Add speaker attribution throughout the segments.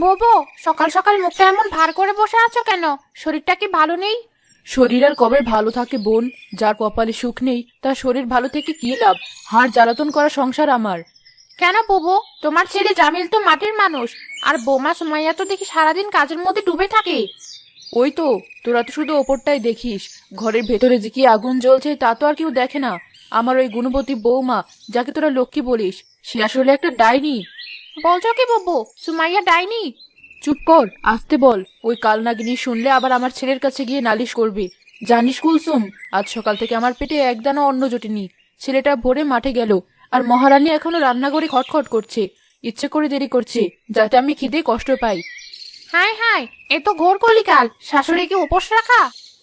Speaker 1: বোবো, সকাল সকাল মুখটা এমন ভার করে বসে আছো কেন? শরীরটা কি ভালো নেই?
Speaker 2: শরীর আর কবে ভালো থাকে বোন? যার কপালে সুখ নেই তার শরীর ভালো থেকে কি লাভ? হাড় জ্বালাতন করা সংসার আমার।
Speaker 1: কেন বোবো, তোমার ছেলে জামিল তো মাটির মানুষ, আর বৌমা সুমাইয়া তো দেখি সারাদিন কাজের মধ্যে ডুবে থাকে।
Speaker 2: ওই তো, তোরা তো শুধু ওপরটাই দেখিস, ঘরের ভেতরে যে কি আগুন জ্বলছে তা তো আর কেউ দেখে না। আমার ওই গুণবতী বৌমা, যাকে তোরা লক্ষ্মী বলিস, সে আসলে একটা ডাইনি।
Speaker 1: বলছো কি বোবো, সুমাইয়া ডাইনি?
Speaker 2: চুপ কর, আসতে বল। ওই কালনাগিনী শুনলে আবার আমার ছেলের কাছে গিয়ে নালিশ করবে। জানিস কুলসুম, আজ সকাল থেকে আমার পেটে একদানা অন্ন জোটেনি। ছেলেটা ভোরে মাঠে গেল, আর মহারানী এখনো রান্নাঘরে খটখট করছে। ইচ্ছে করে দেরি করছে, যাতে আমি খিদে কষ্ট পাই।
Speaker 1: হাই হাই, এ তো ঘোর কলিকাল। শাশুড়িকে উপোস রাখা?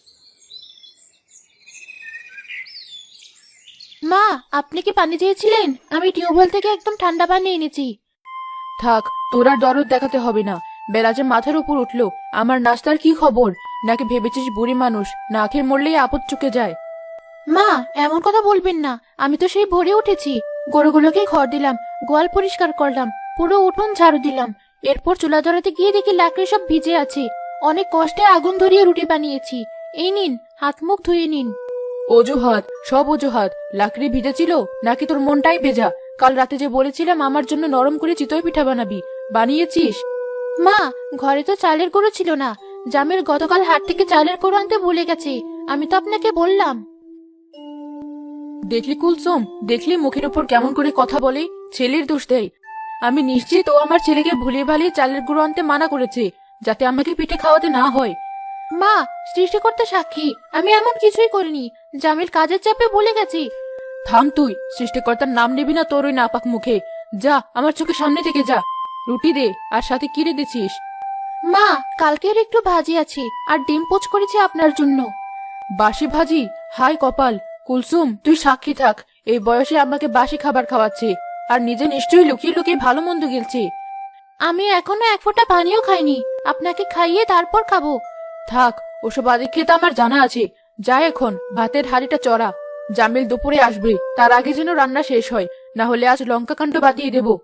Speaker 1: মা, আপনি কি পানি চেয়েছিলেন? আমি টিউবওয়েল থেকে একদম ঠান্ডা পানি এনেছি।
Speaker 2: থাক, তোর আর দরদ দেখাতে হবে না। বেলা যে মাথার উপর উঠলো, আমার নাস্তার কি খবর? নাকি ভেবেছিস বুড়ি মানুষ না খেয়ে মরলেই আপদ চুকে যায়?
Speaker 1: মা, এমন কথা বলবেন না। আমি তো সেই ভোরে উঠেছি, গরুগুলোকে ঘর দিলাম, গোয়াল পরিষ্কার করলাম, পুরো উঠোন ঝাড়ু দিলাম। এরপর চুলা ধরাতে গিয়ে দেখি লাকড়ি সব ভিজে আছে। অনেক কষ্টে আগুন ধরিয়ে রুটি বানিয়েছি। এই নিন, হাত মুখ ধুয়ে নিন।
Speaker 2: অজুহাত, সব অজুহাত। লাকড়ি ভিজেছিল নাকি তোর মনটাই ভেজা? কাল রাতে যে বলেছিলাম আমার জন্য নরম করে চিতই পিঠা বানাবি, বানিয়েছিস?
Speaker 1: মা, ঘরে তো চালের গুঁড়ো ছিল না। জামিল গতকাল হাট থেকে চালের গুঁড়ো আনতে ভুলে গেছে। আমি তো আপনাকে বললাম।
Speaker 2: দেখলি কুলসুম, দেখলি মুখের উপর কেমন করে কথা বলে? ছেলের দোষ দেয়। আমি নিশ্চিত ও আমার ছেলেকে ভুলিয়ে ভালিয়ে চালের গুঁড়ো আনতে মানা করেছে, যাতে আমাকে পিঠে খাওয়াতে না হয়।
Speaker 1: মা, সৃষ্টিকর্তা সাক্ষী, আমি এমন কিছুই করিনি। জামিল কাজের চাপে ভুলে গেছি।
Speaker 2: থাম তুই, সৃষ্টিকর্তার নাম নিবি না তোর ওই নাপাক মুখে। যা, আমার চোখের সামনে থেকে যা। রুটি দে, আর সাথে কি রে দিছিস?
Speaker 1: মা, কালকের একটু ভাজি আছে, আর ডিম পোচ করেছি আপনার জন্য।
Speaker 2: বাসি ভাজি? হায় কপাল! কুলসুম, তুই সাক্ষী থাক, এই বয়সে আমাকে বাসি খাবার খাওয়াচ্ছে, আর নিজে নিশ্চয়ই লুকিয়ে লুকিয়ে ভালো মন্দ গিলছে।
Speaker 1: আমি এখনো এক ফোঁটা পানিও খাইনি। আপনাকে খাইয়ে তারপর খাবো।
Speaker 2: থাক, ওসব আদিক খেতে আমার জানা আছে। যা, এখন ভাতের হাঁড়িটা চড়া। জামিল দুপুরে আসবে, তার আগে যেন রান্না শেষ হয়, না হলে আজ লঙ্কাকাণ্ড বাতিয়ে দেব।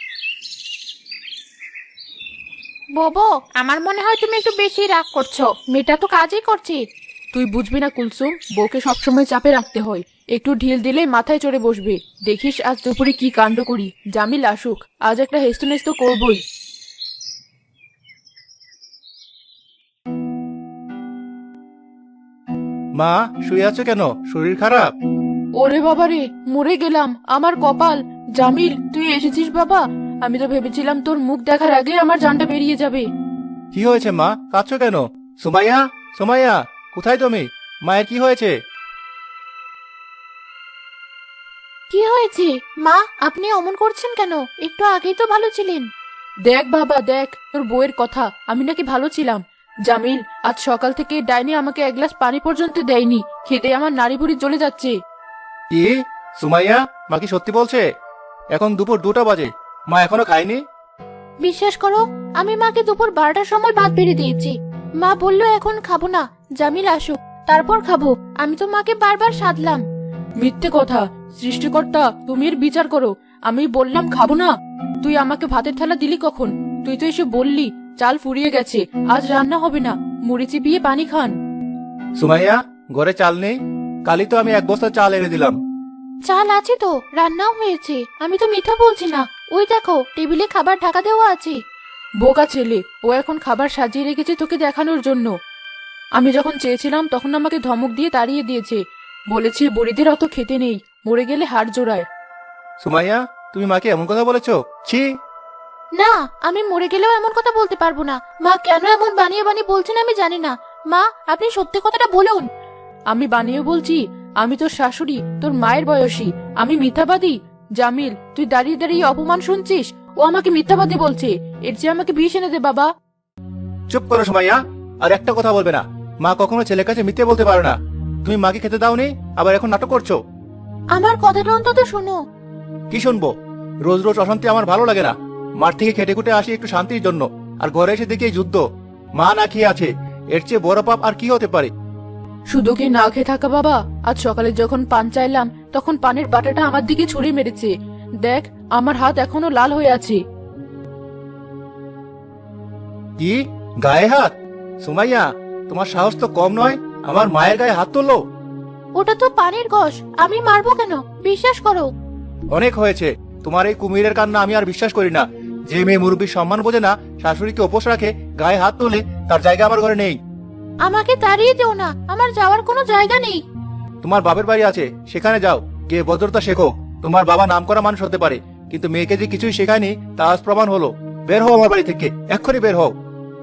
Speaker 1: বোবো, আমার মনে হয় তুমি একটু বেশি রাগ করছো। মেয়েটা তো কাজই করছে।
Speaker 2: তুই বুঝবি না কুলসুম, বউকে সবসময় চাপে রাখতে হয়। একটু ঢিল দিলেই মাথায় চড়ে বসবে। দেখিস আজ দুপুরে কি কাণ্ড করি। জামিল আসুক, আজ একটা হেস্তনেস্ত করবই।
Speaker 3: মা, শুয়ে আছো কেন? শরীর খারাপ?
Speaker 2: ওরে বাবা রে, মরে গেলাম, আমার কপাল! জামিল, তুই এসেছিস বাবা? আমি তো ভেবেছিলাম তোর মুখ দেখার আগে আমার জানটা বেরিয়ে যাবে।
Speaker 3: কি হয়েছে মা, কাঁদছো কেন? সুমাইয়া, সুমাইয়া, কোথায় তুমি? মায়ের কি হয়েছে?
Speaker 1: কি হয়েছে? মা, আপনি অমন করছেন কেন? একটু আগেই তো ভালো ছিলেন।
Speaker 2: দেখ বাবা দেখ, তোর বউয়ের কথা, আমি নাকি ভালো ছিলাম। জামিল, আজ সকাল থেকে ডাইনি আমাকে এক গ্লাস পানি পর্যন্ত দেয়নি। খেতে আমার নাড়ি ভুড়ি জ্বলে যাচ্ছে।
Speaker 3: কি? সুমাইয়া, মা কি সত্যি বলছে? এখন দুপুর 2টা বাজে, মা এখনো খায়নি?
Speaker 1: বিশ্বাস করো, আমি মাকে দুপুর 12টার সময় ভাত বেড়ে দিয়েছি। মা বললো এখন খাবো না, জামিল আসুক তারপর খাবো। আমি তো মাকে বারবার সাধলাম।
Speaker 2: মিথ্যে কথা! সৃষ্টিকর্তা, তুমি এর বিচার করো। আমি বললাম খাবো না, তুই আমাকে ভাতের থালা দিলি কখন? তুই তো এসে বললি চাল ফুরিয়ে গেছে, আজ রান্না হবে না, মুড়ি চিবিয়ে পানি খান।
Speaker 3: সুমাইয়া, ঘরে চাল নেই? কালই তো আমি 1 বস্তা চাল এনে দিলাম।
Speaker 1: চাল আছে তো, রান্নাও হয়েছে। আমি তো মিথ্যা বলছি না। ওই দেখো, টেবিলে খাবার ঢাকা দেওয়া আছে।
Speaker 2: বোকা ছেলে, ও এখন খাবার সাজিয়ে রেখেছে তোকে দেখানোর জন্য। আমি যখন চেয়েছিলাম তখন আমাকে ধমক দিয়ে তাড়িয়ে দিয়েছে। বলেছে বুড়িদের অত খেতে নেই, মরে গেলে হাড় জোড়ায়।
Speaker 3: সুমাইয়া, তুমি মাকে এমন কথা বলেছো? ছি!
Speaker 1: না, আমি মরে গেলেও এমন কথা বলতে পারবো না। মা কেন এমন বানিয়ে বানিয়ে বলছেন আমি জানি না। মা, আপনি সত্যি কথাটা বলুন।
Speaker 2: আমি বানিয়ে বলছি? আমি তোর শাশুড়ি, তোর মায়ের বয়সী। আমি মিথ্যাবাদী? জামিল, তুই দাঁড়িয়ে দাঁড়িয়ে অপমান শুনছিস? ও আমাকে মিথ্যাবাদী বলছে। এর চেয়ে আমাকে বিষ এনে দে বাবা।
Speaker 3: চুপ করো সুমাইয়া, আর একটা কথা বলবে না। মা কখনো ছেলের কাছে মিথ্যে বলতে পারে না। তুমি মাকে খেতে দাওনি, আবার এখন নাটক করছো।
Speaker 1: আমার কথাটা অন্তত শোনো।
Speaker 3: কি শুনবো? রোজ রোজ অশান্তি আমার ভালো লাগে না। মাঠ থেকে খেটে খুটে আসি একটু শান্তির জন্য, আর ঘরে এসে দেখি এই যুদ্ধ। মা না খেয়ে আছে, এর চেয়ে বড় পাপ আর কি হতে পারে?
Speaker 2: শুধু কি না খেয়ে থাকা বাবা? আজ সকালে যখন পান চাইলাম তখন পানের বাটাটা আমার দিকে ছুঁড়ে মেরেছে। দেখ, আমার হাত এখনো লাল হয়ে আছে।
Speaker 3: কি গায়ে হাত? সুমাইয়া, তোমার সাহস তো কম নয়, আমার মায়ের গায়ে হাত তুললো।
Speaker 1: ওটা তো পানির ঘষ, আমি মারবো কেন? বিশ্বাস করো।
Speaker 3: অনেক হয়েছে, তোমার এই কুমিরের কান্না আমি আর বিশ্বাস করি না। যে মেয়ে মুরব্বীর সম্মান বোঝে না, শাশুড়িকে উপোস রাখে, গায়ে হাত তোলে, তার জায়গা আমার ঘরে নেই।
Speaker 1: আমাকে তাড়িয়ে দিও না, আমার যাওয়ার কোনো জায়গা নেই।
Speaker 3: তোমার বাপের বাড়ি আছে, সেখানে যাও, গিয়ে ভদ্রতা শেখো। তোমার বাবা নামকরা মানুষ হতে পারে, কিন্তু মেয়েকে যে কিছুই শেখায়নি তা আজ প্রমাণ হলো। বের হও আমার বাড়ি থেকে, এক্ষুনি বের হও।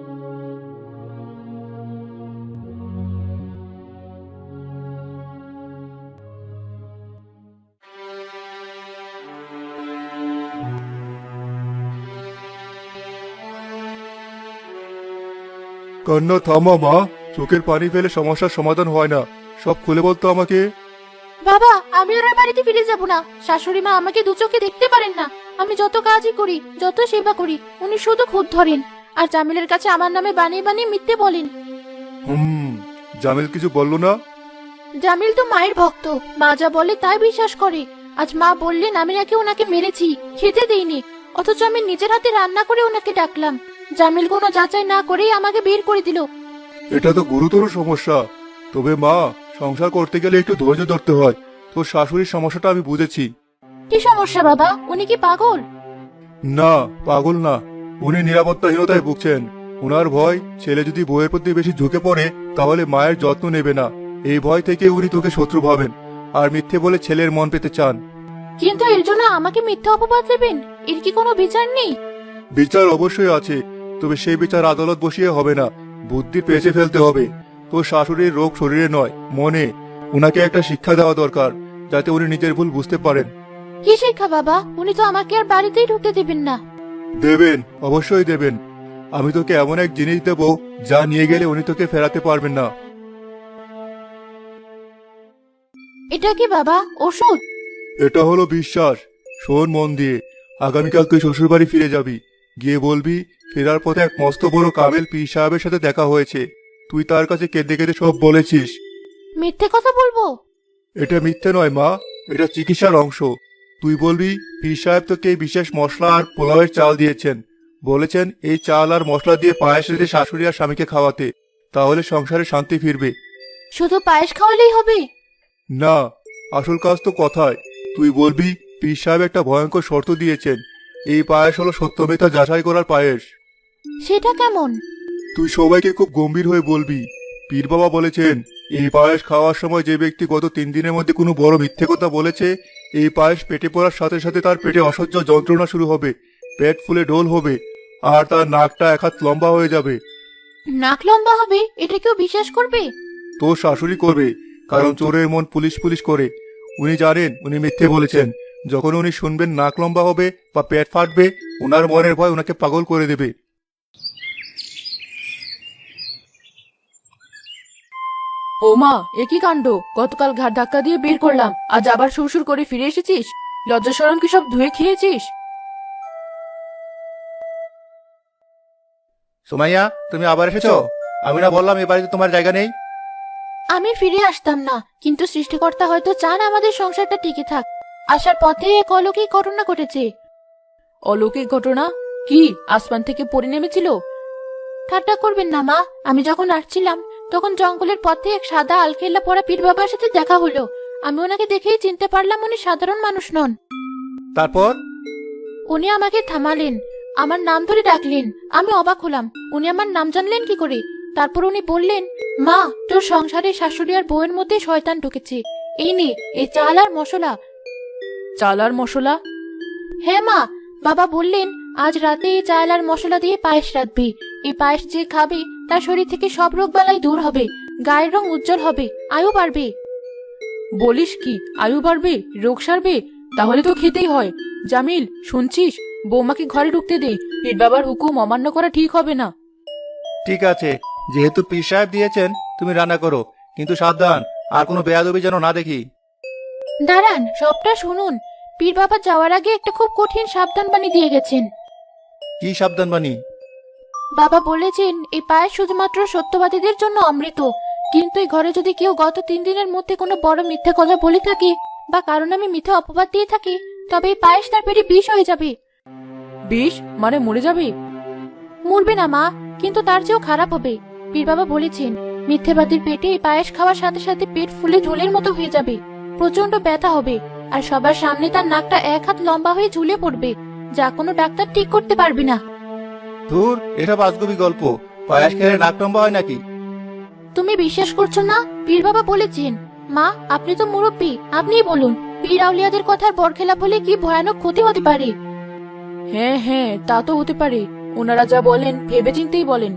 Speaker 3: কান্না থামা মা, চোখের পানি ফেলে সমস্যার সমাধান হয় না। সব খুলে বলতো আমাকে।
Speaker 1: বাবা, আমি ওর বাড়িতে ফিরে যাব না। শাশুড়ি মা আমাকে দু চোখে দেখতে পারেন না। আমি যত কাজই করি, যত সেবা করি, উনি শুধু খুঁত ধরেন আর জামিলের কাছে আমার নামে বানিয়ে বানিয়ে মিথ্যে বলেন।
Speaker 3: জামিল কিছু বললো না?
Speaker 1: জামিল তো মায়ের ভক্ত, মা যা বলে তাই বিশ্বাস করে। আজ মা বললেন আমি নাকি ওনাকে মেরেছি, খেতে দেইনি, অথচ আমি নিজের হাতে রান্না করে ওনাকে ডাকলাম। জামিল কোনো যাচাই না করেই আমাকে বের করে দিল।
Speaker 3: এটা তো গুরুতর সমস্যা। তবে মা, সংসার করতে গেলে একটু ধৈর্য ধরতে হয়। তোর শাশুড়ির সমস্যাটা আমি বুঝেছি।
Speaker 1: কি সমস্যা বাবা? উনি কি পাগল?
Speaker 3: না, পাগল না, উনি নিরাপত্তাহীনতায় ভুগছেন। উনার ভয়, ছেলে যদি বউয়ের প্রতি বেশি ঝুঁকে পড়ে তাহলে মায়ের যত্ন নেবে না। এই ভয় থেকে উনি তোকে শত্রু ভাবেন আর মিথ্যে বলে ছেলের মন পেতে চান।
Speaker 1: কিন্তু এর জন্য আমাকে মিথ্যা অপবাদ দেবেন? এর কি কোনো বিচার নেই?
Speaker 3: বিচার অবশ্যই আছে, তবে সেই বিচার আদালত বসিয়ে হবে না, বুদ্ধি পেঁচে ফেলতে হবে। তোর শাশুড়ির রোগ শরীরে নয়, মনে। উনাকে একটা শিক্ষা দেওয়া দরকার, যাতে উনি নিজের ভুল বুঝতে পারেন।
Speaker 1: কি শিক্ষা বাবা? উনি তো আমাকে আর বাড়িতেই ঢুকতে দেবেন না।
Speaker 3: দেবেন, অবশ্যই দেবেন। আমি তোকে এমন এক জিনিস দেব যা নিয়ে গেলে উনি তোকে ফেরাতে পারবেন না।
Speaker 1: এটা কি বাবা? ওষুধ?
Speaker 3: এটা হলো বিশ্বাস। শোন মন দিয়ে, আগামীকাল তুই শ্বশুর বাড়ি ফিরে যাবি। গিয়ে বলবি ফেরার পথে এক মস্ত বড় কামেল পীর সাহেবের সাথে দেখা হয়েছে। তুই তার কাছে কেঁদে কেঁদে সব বলেছিস।
Speaker 1: মিথ্যে কথা বলবো?
Speaker 3: এটা মিথ্যে নয় মা, এটা চিকিৎসার অংশ। তুই বলবি পীর সাহেব তোকে এই বিশেষ মশলা আর পোলাওয়ের চাল দিয়েছেন, বলেছেন এই চাল আর মশলা দিয়ে পায়েস রেঁধে শাশুড়ি আর স্বামীকে খাওয়াতে, তাহলে সংসারে শান্তি ফিরবে।
Speaker 1: শুধু পায়েস খাওয়ালেই হবে?
Speaker 3: না, আসল কাজ তো কথায়। তুই বলবি পীর সাহেব একটা ভয়ঙ্কর শর্ত দিয়েছেন, এই পায়েস হলো সত্যমিথ্যা যাচাই করার পায়েস।
Speaker 1: সেটা কেমন?
Speaker 3: তুই সবাইকে খুব গম্ভীর হয়ে বলবি পীর বাবা বলেছেন এই পায়েস খাওয়ার সময় যে ব্যক্তি গত 3 দিনের মধ্যে কোনো বড় মিথ্যে কথা বলেছে, এই পায়েস পেটে পড়ার সাথে সাথে তার পেটে অসহ্য যন্ত্রণা শুরু হবে, পেট ফুলে ঢোল হবে, আর তার নাকটা 1 হাত লম্বা হয়ে যাবে।
Speaker 1: নাক লম্বা হবে? এটা কেউ বিশ্বাস করবে?
Speaker 3: তোর শাশুড়ি করবে, কারণ চোরের মন পুলিশ পুলিশ করে। উনি জানেন উনি মিথ্যে বলেছেন। যখন উনি শুনবেন নাক লম্বা হবে বা পেট ফাটবে, উনার মনের ভয় উনাকে পাগল করে দেবে।
Speaker 2: ও মা, একই কাণ্ড! গতকাল ঘাট ধাক্কা দিয়ে বের করলাম, আজ আবার শ্বশুর করে ফিরে এসেছিস? লজ্জা শরম কি সব ধুয়ে খেয়েছিস?
Speaker 3: সুমাইয়া, তুমি আবার এসেছো? আমি না বললাম এই বাড়িতে তোমার জায়গা নেই?
Speaker 1: আমি ফিরে আসতাম না, কিন্তু সৃষ্টিকর্তা হয়তো চান আমাদের সংসারটা টিকে থাক। আসার পথে এক অলৌকিক ঘটনা ঘটেছে।
Speaker 2: অলৌকিক ঘটনা? কি, আসমান থেকে পড়ে নেমেছিল?
Speaker 1: ঠাট্টা করবেন না মা। আমি যখন আসছিলাম তখন জঙ্গলের পথে এক সাদা আলখেল্লা পরা পীর বাবার সাথে দেখা হলো। আমি ওনাকে দেখেই চিনতে পারলাম উনি সাধারণ মানুষ নন।
Speaker 3: তারপর?
Speaker 1: উনি আমাকে থামালেন, আমার নাম ধরে ডাকলেন। আমি অবাক হলাম, উনি আমার নাম জানলেন কি করে? তারপর উনি বললেন, মা, তোর সংসারে শাশুড়ি আর বউয়ের মধ্যে শয়তান ঢুকেছে। এই নে, এই চাল আর মশলা।
Speaker 2: চাল আর মশলা?
Speaker 1: হ্যাঁ মা, বাবা বললেন আজ রাতে এই চাল আর মশলা দিয়ে পায়েস রাঁধবি। এই পায়েস যে খাবে তার শরীর থেকে সব রোগ বালাই দূর হবে, গায়ের রং উজ্জ্বল হবে, আয়ু বাড়বে।
Speaker 2: বলিস কি, আয়ু বাড়বে, রোগ সারবে? তাহলে তো খেতেই হয়। জামিল, শুনছিস? বৌমাকে ঘরে ঢুকতে দে। পীর বাবার হুকুম অমান্য করা ঠিক হবে না।
Speaker 3: ঠিক আছে, যেহেতু পীর সাহেব দিয়েছেন তুমি রান্না করো, কিন্তু সাবধান, আর কোনো বেয়াদবি যেন না দেখি।
Speaker 1: দাঁড়ান, সবটা শুনুন। পীর বাবা যাওয়ার আগে একটা খুব কঠিন সাবধান বাণী দিয়ে গেছেন।
Speaker 3: কি সাবধান বাণী?
Speaker 1: বাবা বলেছেন এই পায়েস শুধুমাত্র সত্যবাদীদের জন্য অমৃত, কিন্তু এই ঘরে যদি কেউ গত 3 দিনের মধ্যে কোনো বড় মিথ্যে কথা বলে থাকে বা কারণ আমি মিথ্যে অপবাদ দিয়ে থাকি, তবে এই পায়েস তার পেটে বিষ হয়ে যাবে।
Speaker 2: বিষ মানে মরে যাবে?
Speaker 1: মরবে না মা, কিন্তু তার চেয়েও খারাপ হবে। পীর বাবা বলেছেন মিথ্যেবাদীর পেটে এই পায়েস খাওয়ার সাথে সাথে পেট ফুলে ঢোলের মতো হয়ে যাবে, প্রচন্ড ব্যথা হবে, আর সবার সামনে তার নাকটা 1 হাত লম্বা হয়ে ঝুলে পড়বে, যা কোনো ডাক্তার ঠিক করতে পারবে না।
Speaker 3: ধুর, এটা বাস্তবিক গল্প। পায়েস খেলে নাক লম্বা হয় নাকি?
Speaker 1: তুমি বিশ্বাস করছো না? পীর বাবা বলেছেন। মা, আপনি তো মুরব্বী, আপনিই বলুন, পীর আউলিয়াদের কথার বরখেলাপ হলে কি ভয়ানক ক্ষতি হতে পারে।
Speaker 2: হ্যাঁ হ্যাঁ, তা তো হতে পারে। ওনারা যা বলেন ভেবেচিন্তেই বলেন।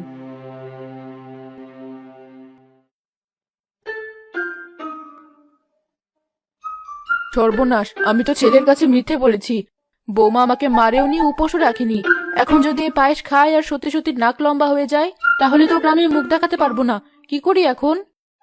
Speaker 2: সর্বনাশ, আমি তো ছেলের কাছে মিথ্যে বলেছি। বৌমা আমাকে মারেওনি, উপোসও রাখিনি। এখন যদি এই পায়েস খায় আর সত্যি সত্যি নাক লম্বা হয়ে যায়, তাহলে তো গ্রামে মুখ দেখাতে পারবো না। কি করি এখন?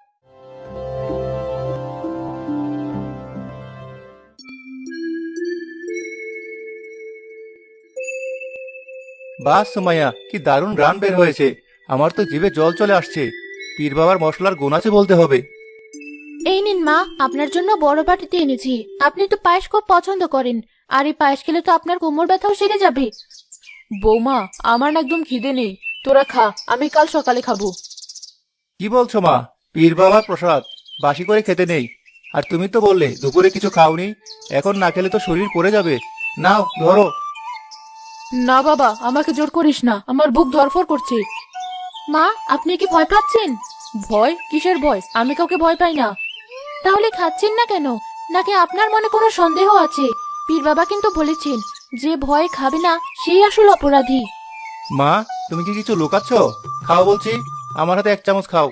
Speaker 3: বাহ সুমাইয়া, কি দারুণ গান বের হয়েছে। আমার তো জিভে জল চলে আসছে। পীর বাবার মশলার গুণ আছে বলতে হবে।
Speaker 1: এই নিন মা, আপনার জন্য বড় বাটিতে এনেছি। আপনি তো পায়েস খুব পছন্দ করেন, আর এই পায়েস খেলে তো আপনার কোমর ব্যথাও সেরে যাবে।
Speaker 2: বৌমা, আমার না একদম খিদে নেই। তোরা খা, আমি কাল সকালে খাবো।
Speaker 3: কি বলছো মা? পীর বাবার প্রসাদ বাসি করে খেতে নেই। আর তুমি তো বললে দুপুরে কিছু খাওনি। এখন না খেলে তো শরীর পড়ে যাবে। নাও ধরো।
Speaker 2: না বাবা, আমাকে জোর করিস না, আমার বুক ধরফর করছে।
Speaker 1: মা, আপনি কি ভয় পাচ্ছেন?
Speaker 2: ভয়? কিসের ভয়? আমি কাউকে ভয় পাই না।
Speaker 1: তাহলে খাচ্ছেন না কেন? নাকি আপনার মনে কোনো সন্দেহ আছে? পীর বাবা কিন্তু বলেছেন যে ভয় খাবে না সেই আসল অপরাধী।
Speaker 3: মা, তুমি কি কিছু লুকাচ্ছ? খাও বলছি, আমার হাতে 1 চামচ খাও।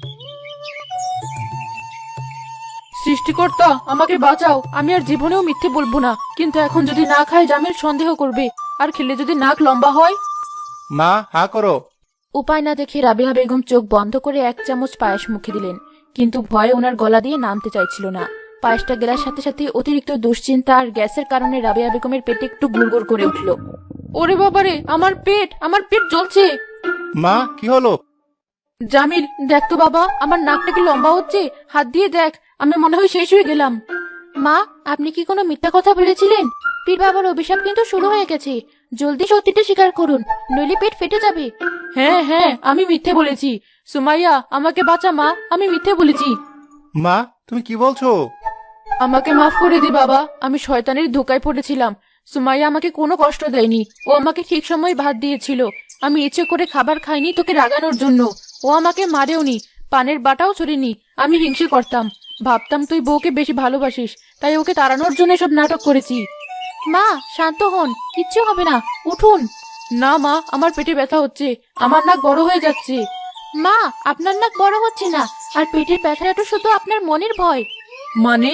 Speaker 2: সৃষ্টিকর্তা, আমাকে বাঁচাও। আমি আর জীবনেও মিথ্যে বলবো না, কিন্তু এখন যদি না খাই জামিল সন্দেহ করবে, আর খেলে যদি নাক লম্বা হয়।
Speaker 3: মা, হা করো।
Speaker 1: উপায় না দেখে রাবিয়া বেগম চোখ বন্ধ করে 1 চামচ পায়েস মুখে দিলেন, কিন্তু ভয়ে ওনার গলা দিয়ে নামতে চাইছিল না। পায়েসটা গেলার সাথে সাথে অতিরিক্ত দুশ্চিন্তা আর গ্যাসের কারণে রাবিয়া বেগমের পেটে একটু গুড়গুড় করে উঠল।
Speaker 2: ওরে বাবারে, আমার পেট জ্বলছে।
Speaker 3: মা, কি হলো?
Speaker 2: জামিল, দেখ তো বাবা, আমার নাকটা কি লম্বা হচ্ছে? হাত দিয়ে দেখ, আমি মনে হয় শেষ হয়ে গেলাম।
Speaker 1: মা, আপনি কি কোনো মিথ্যা কথা বলেছিলেন? পীর বাবার অভিশাপ কিন্তু শুরু হয়ে গেছে। জলদি সত্যিটা স্বীকার করুন, নইলে পেট ফেটে যাবে।
Speaker 2: হ্যাঁ হ্যাঁ, আমি মিথ্যে বলেছি। সুমাইয়া, আমাকে বাঁচা মা, আমি মিথ্যে বলেছি।
Speaker 3: মা, তুমি কি বলছো?
Speaker 2: আমাকে মাফ করে দি বাবা, আমি শয়তানের ধোকায় পড়েছিলাম। সুমাইয়া আমাকে কোনো কষ্ট দেয়নি, ও আমাকে ঠিক সময় ভাত দিয়েছিল। আমি ইচ্ছে করে খাবার খাইনি তোকে রাগানোর জন্য। ও আমাকে মারেওনি, পানের বাটাও ছড়িনি। আমি হিংসে করতাম, ভাবতাম তুই বউকে বেশি ভালোবাসিস, তাই ওকে তাড়ানোর জন্য সব নাটক করেছি।
Speaker 1: মা, শান্ত হন, কিচ্ছু হবে না, উঠুন।
Speaker 2: না মা, আমার পেটে ব্যথা হচ্ছে, আমার নাক বড় হয়ে যাচ্ছে।
Speaker 1: মা, আপনার নাক বড় হচ্ছে না, আর পেটের ব্যথাটা তো শুধু আপনার মনের ভয়।
Speaker 2: মানে?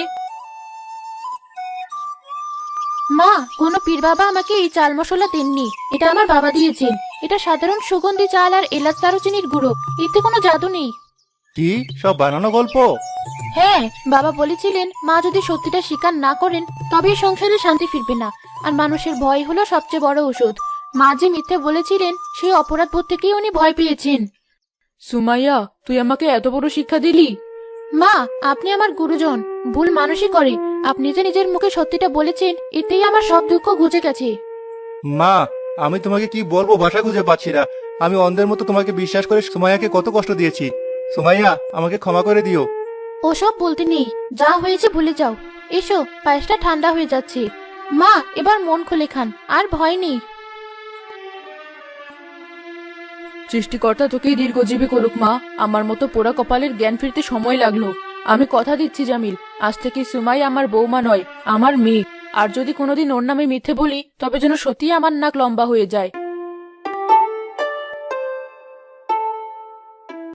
Speaker 1: মা, কোনো পীর বাবা আমাকে এই চাল মশলা দেননি, এটা আমার বাবা দিয়েছেন। এটা সাধারণ সুগন্ধি চাল আর এলাচ দারুচিনির গুঁড়ো, এতে কোনো জাদু নেই।
Speaker 3: কি সব বানানো গল্প?
Speaker 1: হ্যাঁ, বাবা বলেছিলেন মা যদি সত্যিটা স্বীকার না করেন তবে সংসারে শান্তি ফিরবে না, আর মানুষের ভয় হলো সবচেয়ে বড় ওষুধ। মা যে মিথ্যে বলেছিলেন সেই অপরাধ বোধ থেকেই উনি ভয় পেয়েছেন।
Speaker 2: সুমাইয়া, তুই আমাকে এত বড় শিক্ষা দিলি।
Speaker 1: মা, আপনি আমার গুরুজন, ভুল মানুষই করে। আপনি যে নিজের মুখে সত্যিটা বলেছেন, এতেই আমার সব দুঃখ ঘুচে গেছে।
Speaker 3: মা, আমি তোমাকে কি বলবো, ভাষা খুঁজে পাচ্ছি না। আমি অন্ধের মতো তোমাকে বিশ্বাস করে সুমাইয়াকে কত কষ্ট দিয়েছি। সুমাইয়া, আমাকে ক্ষমা করে দিও।
Speaker 1: ওসব বলতে নেই, যা হয়েছে ভুলে যাও। এসো, পায়েসটা ঠান্ডা হয়ে যাচ্ছে। মা, এবার মন খুলে খান, আর ভয় নেই।
Speaker 2: সৃষ্টিকর্তা তোকেই দীর্ঘজীবী করুক মা। আমার মতো পোড়া কপালের জ্ঞান ফিরতে সময় লাগলো। আমি কথা দিচ্ছি জামিল, আজ থেকে সুমাই আমার বৌমা নয়, আমার মেয়ে। আর যদি কোনোদিন ওর নামে মিথ্যে বলি, তবে যেন সত্যিই আমার নাক লম্বা হয়ে যায়।